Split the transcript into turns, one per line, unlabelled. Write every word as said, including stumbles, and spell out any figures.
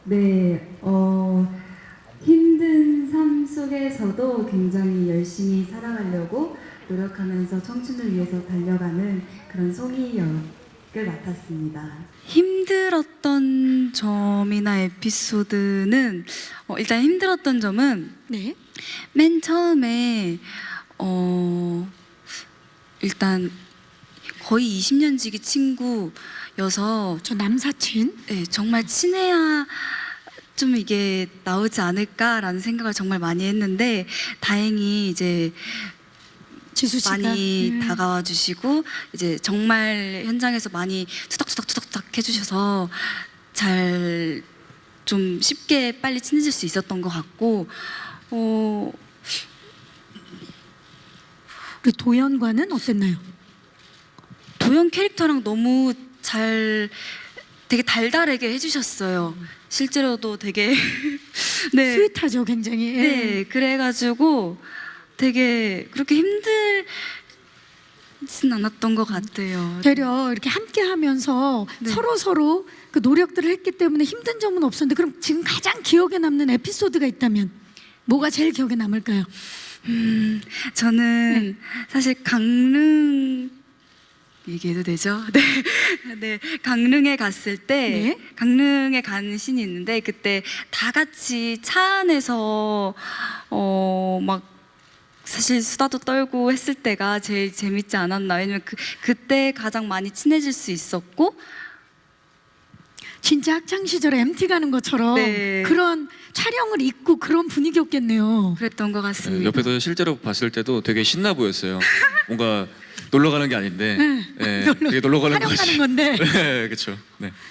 네, 어, 힘든 삶 속에서도 굉장히 열심히 살아가려고 노력하면서 청춘을 위해서 달려가는 그런 송이 역을 맡았습니다. 힘들었던 점이나 에피소드는 어, 일단 힘들었던 점은
네.
맨 처음에 어, 일단 거의 이십 년 지기 친구여서
저 남사친.
네, 정말 친해야 좀 이게 나오지 않을까라는 생각을 정말 많이 했는데 다행히 이제
지수 씨가
많이
음.
다가와 주시고 이제 정말 현장에서 많이 투닥투닥투닥투닥 해주셔서 잘 좀 쉽게 빨리 친해질 수 있었던 것 같고 어,
우리 도연과는 어땠나요?
도연 캐릭터랑 너무 잘 되게 달달하게 해주셨어요. 실제로도 되게 네.
스윗하죠, 굉장히. 예.
네, 그래가지고 되게 그렇게 힘들진 않았던 것 같아요.
되려 이렇게 함께 하면서
네.
서로 서로 그 노력들을 했기 때문에 힘든 점은 없었는데, 그럼 지금 가장 기억에 남는 에피소드가 있다면 뭐가 제일 기억에 남을까요?
음, 저는 사실 강릉 얘기해도 되죠? 네, 네, 강릉에 갔을 때
네.
강릉에 간 신이 있는데 그때 다 같이 차 안에서 어 막 사실 수다도 떨고 했을 때가 제일 재밌지 않았나. 왜냐면 그 그때 가장 많이 친해질 수 있었고.
진짜 학창 시절에 엠티 가는 것처럼
네.
그런 촬영을 잊고 그런 분위기였겠네요.
그랬던 것
네,
같습니다.
옆에서 실제로 봤을 때도 되게 신나 보였어요. 뭔가 놀러 가는 게 아닌데,
네.
네,
놀러-
되게 놀러 가는
촬영
거지.
가는 건데.
네, 그렇죠. 네.